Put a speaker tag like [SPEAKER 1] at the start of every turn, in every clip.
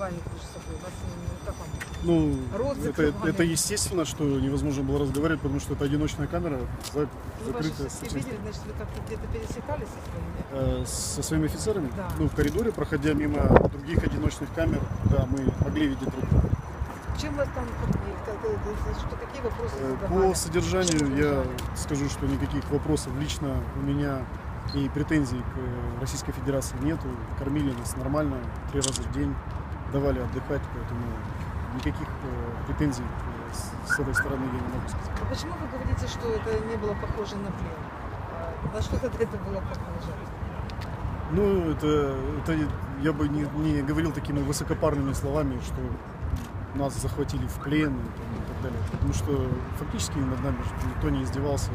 [SPEAKER 1] разговаривать между собой? Вас, как вам?
[SPEAKER 2] Ну,
[SPEAKER 1] Розыск
[SPEAKER 2] это естественно, что невозможно было разговаривать, потому что это одиночная камера,
[SPEAKER 1] Вы ваши
[SPEAKER 2] закрытая.
[SPEAKER 1] все видели, значит, вы как-то где-то пересекались со своими?
[SPEAKER 2] Со своими офицерами?
[SPEAKER 1] Да.
[SPEAKER 2] Ну, в коридоре, проходя мимо других одиночных камер, да, мы могли видеть друг друга.
[SPEAKER 1] Чем вас там побили? Что, какие вопросы задавали?
[SPEAKER 2] По содержанию
[SPEAKER 1] Чем
[SPEAKER 2] я
[SPEAKER 1] задавали?
[SPEAKER 2] скажу, что никаких вопросов лично у меня и претензий к Российской Федерации нету. Кормили нас нормально, 3 раза в день, давали отдыхать, поэтому никаких претензий с этой стороны я не могу сказать.
[SPEAKER 1] А почему вы говорите, что это не было похоже на плен? На что тогда это было похоже?
[SPEAKER 2] Ну, это я бы не говорил такими высокопарными словами, что нас захватили в плен и так далее. Потому что фактически над нами никто не издевался.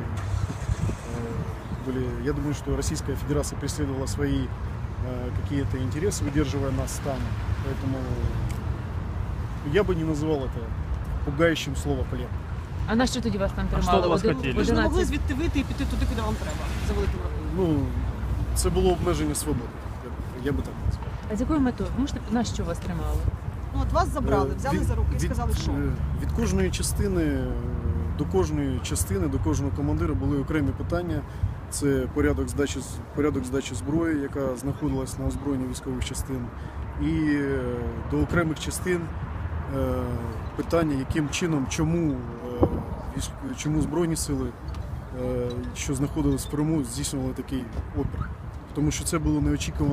[SPEAKER 2] Я думаю, что Российская Федерация преследовала свои какие-то интересы, выдерживая нас там. Поэтому я бы не называл это пугающим слово «плен».
[SPEAKER 3] А на що тоді вас там
[SPEAKER 4] А
[SPEAKER 3] тримали?
[SPEAKER 4] що до вас
[SPEAKER 3] Один-
[SPEAKER 4] хотіли?
[SPEAKER 3] в
[SPEAKER 4] Ви
[SPEAKER 5] Ви ж не могли
[SPEAKER 3] 11?
[SPEAKER 5] звідти вийти і піти туди, куди вам треба, за великим рахунком.
[SPEAKER 2] Ну, це було обмеження свободи. Я би так назвав.
[SPEAKER 3] А з якою метою? Можете на що вас тримали?
[SPEAKER 5] Ну от вас забрали, взяли за руки і сказали, що?
[SPEAKER 2] Від кожної частини до кожної частини, до кожного командира були окремі питання. Це порядок здачі зброї, яка знаходилась на озброєнні військових частин. І до окремих частин питання, яким чином, чому Збройні сили, що знаходились в Криму, здійснювали такий опір. Тому що це було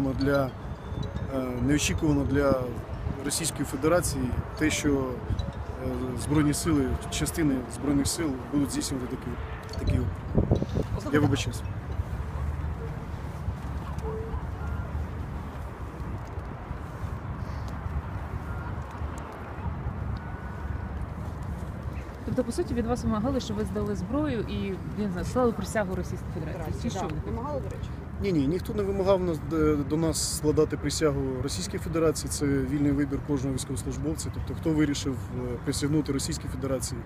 [SPEAKER 2] неочікувано для Російської Федерації те, що Збройні сили, частини Збройних сил будуть здійснювати такий опір. Я вибачаюсь.
[SPEAKER 3] Тобто, по суті, від вас вимагали, щоб ви здали зброю і, я не знаю, склали присягу Російської Федерації. Чи що?
[SPEAKER 5] Так, вимагали, до речі.
[SPEAKER 2] Ні, ніхто не вимагав до нас складати присягу Російській Федерації. Це вільний вибір кожного військовослужбовця. Тобто, хто вирішив присягнути Російській Федерації,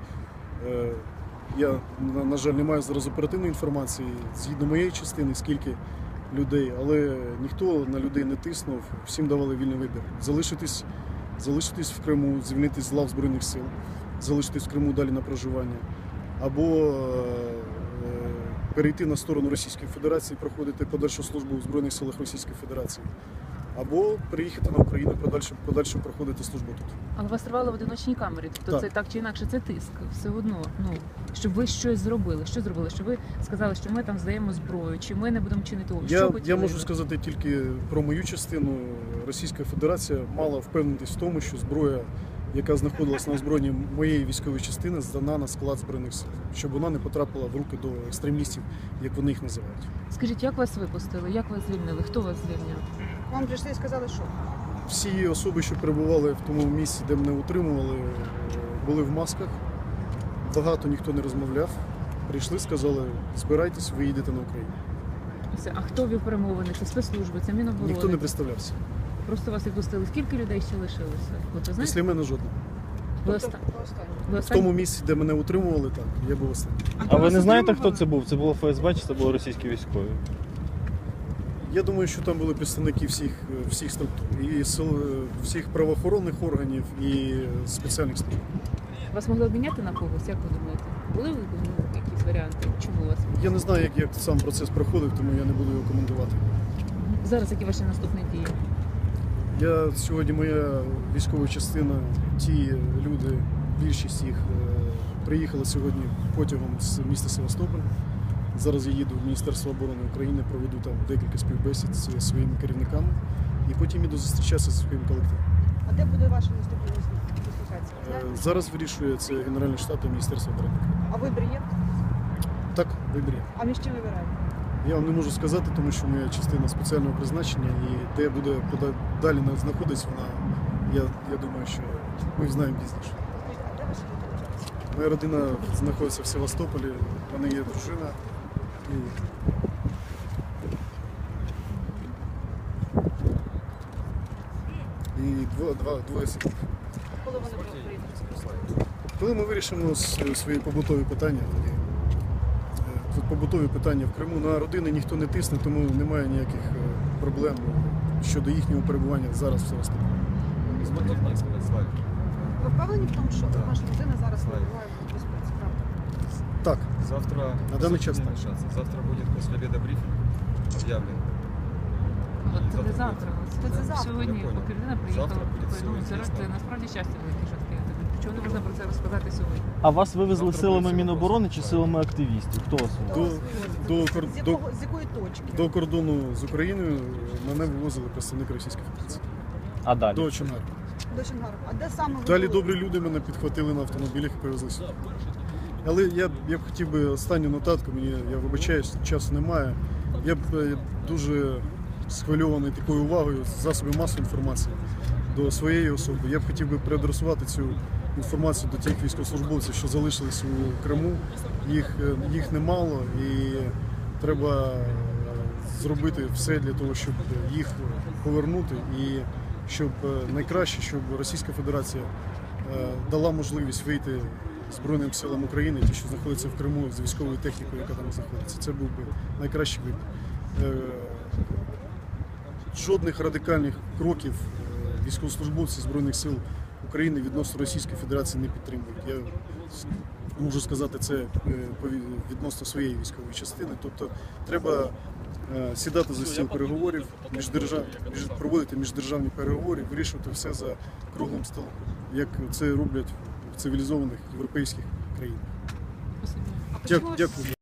[SPEAKER 2] я, на жаль, не маю зараз оперативної інформації згідно моєї частини, скільки людей, але ніхто на людей не тиснув, всім давали вільний вибір. Залишитись в Криму, звільнитись з лав Збройних сил, залишитись в Криму далі на проживання, або перейти на сторону Російської Федерації, проходити подальшу службу у Збройних силах Російської Федерації, або приїхати на Україну, подальше проходити службу тут.
[SPEAKER 3] Але вас тривали в одиночній камері. Тобто
[SPEAKER 2] Так.
[SPEAKER 3] це так чи інакше, це тиск. Все одно, щоб ви щось зробили. Що зробили? Що ви сказали, що ми там здаємо зброю, чи ми не будемо чинити опір? Що
[SPEAKER 2] Я
[SPEAKER 3] хотіли
[SPEAKER 2] можу
[SPEAKER 3] ви?
[SPEAKER 2] сказати тільки про мою частину. Російська Федерація мала впевнитись в тому, що зброя, яка знаходилась на озброєнні моєї військової частини, здана на склад Збройних сил, щоб вона не потрапила в руки до екстремістів, як вони їх називають.
[SPEAKER 3] Скажіть, як вас випустили? Як вас звільнили? Хто вас звільняв?
[SPEAKER 5] Вам прийшли і сказали, що?
[SPEAKER 2] Всі особи, що перебували в тому місці, де мене утримували, були в масках. Багато ніхто не розмовляв. Прийшли, сказали, збирайтесь, ви їдете на Україну.
[SPEAKER 3] Все. А хто вів перемовини? Це спецслужби, це Міноборони?
[SPEAKER 2] Ніхто не представлявся.
[SPEAKER 3] Просто вас відпустили. Скільки людей ще лишилося? От ви знаєте?
[SPEAKER 2] Після мене жодного.
[SPEAKER 3] Ви
[SPEAKER 5] Тобто,
[SPEAKER 3] оста-
[SPEAKER 5] останнє.
[SPEAKER 3] ви
[SPEAKER 2] В
[SPEAKER 3] останні?
[SPEAKER 2] тому місці, де мене утримували, так, я був останній.
[SPEAKER 4] А ви не знаєте, хто це був? Це було ФСБ чи це були російські військові?
[SPEAKER 2] Я думаю, що там були представники всіх структур, і всіх правоохоронних органів, і спеціальних служб.
[SPEAKER 3] Вас могли обміняти на когось? Як ви думаєте? Були якісь варіанти? Чому вас?
[SPEAKER 2] Я не знаю, як сам процес проходив, тому я не буду його коментувати.
[SPEAKER 3] Зараз які ваші наступні дії?
[SPEAKER 2] Сьогодні моя військова частина, ті люди, більшість їх приїхали сьогодні потягом з міста Севастополь. Зараз я їду в Міністерство оборони України, проведу там декілька співбесід зі своїми керівниками і потім іду зустрічатися зі своїм колективом.
[SPEAKER 5] А де буде ваша наступна дислокація? Знаєте?
[SPEAKER 2] Зараз вирішує це Генеральний штаб та Міністерство оборони.
[SPEAKER 5] А вибір є?
[SPEAKER 2] Так, вибір є.
[SPEAKER 5] А між чим вибираєте?
[SPEAKER 2] Я вам не можу сказати, тому що моя частина спеціального призначення і де буде далі знаходитись вона, я думаю, що ми знаємо пізніше.
[SPEAKER 5] А де ваша дислокація?
[SPEAKER 2] Моя родина знаходиться в Севастополі, в мене є дружина. І двоє синів.
[SPEAKER 5] Коли вони приїдуть?
[SPEAKER 2] Коли ми вирішимо свої побутові питання, тоді тут побутові питання в Криму, на родини ніхто не тисне, тому немає ніяких проблем щодо їхнього перебування зараз в Севастополі.
[SPEAKER 6] Позвольте мені сказати, Славік.
[SPEAKER 5] Ви впевнені в тому, що
[SPEAKER 6] Так.
[SPEAKER 5] ваша людина зараз
[SPEAKER 6] Так.
[SPEAKER 5] перебуває в безпеці? Правда?
[SPEAKER 2] Так,
[SPEAKER 6] Завтра,
[SPEAKER 2] На данный час
[SPEAKER 6] не
[SPEAKER 2] так.
[SPEAKER 6] мешаться. Завтра будет после обеда брифинг объявлен.
[SPEAKER 3] От це не завтра.
[SPEAKER 5] Це завтра.
[SPEAKER 3] Сьогодні,
[SPEAKER 6] Я понял.
[SPEAKER 3] поки людина приїхала,
[SPEAKER 6] Завтра буде
[SPEAKER 3] ну, це
[SPEAKER 6] все
[SPEAKER 3] це насправді щастя велике, що таке. Чому не можна про це розказати сьогодні?
[SPEAKER 4] А вас вивезли
[SPEAKER 6] Завтра
[SPEAKER 4] силами
[SPEAKER 6] буде
[SPEAKER 4] Міноборони чи
[SPEAKER 6] вопрос.
[SPEAKER 4] силами активістів? Хто вас вивез?
[SPEAKER 5] З якої точки?
[SPEAKER 2] до кордону з Україною мене вивозили представники Російської Федерації.
[SPEAKER 4] А далі?
[SPEAKER 2] До Чонгару.
[SPEAKER 5] До Чонгару. А де саме ви
[SPEAKER 2] Далі
[SPEAKER 5] були?
[SPEAKER 2] добрі люди мене підхватили на автомобілях і привезли сюди. Але я б хотів би останню нотатку, я вибачаюсь, часу немає. Я б дуже схвильований такою увагою з засобів масової інформації до своєї особи. Я б хотів би переадресувати цю інформацію до тих військовослужбовців, що залишились у Криму. Їх немало і треба зробити все для того, щоб їх повернути і щоб найкраще, щоб Російська Федерація дала можливість вийти Збройним силам України, ті, що знаходяться в Криму з військовою технікою, яка там знаходиться. Це був би найкращий вибір. Жодних радикальних кроків військовослужбовці Збройних сил України відносно Російської Федерації не підтримують. Я можу сказати це відносно своєї військової частини. Тобто треба сідати за стіл переговорів, проводити міждержавні переговори, вирішувати все за круглим столом, як це роблять в цивілізованих європейських країнах.
[SPEAKER 3] Спасибо.
[SPEAKER 5] А почему
[SPEAKER 2] Дякую.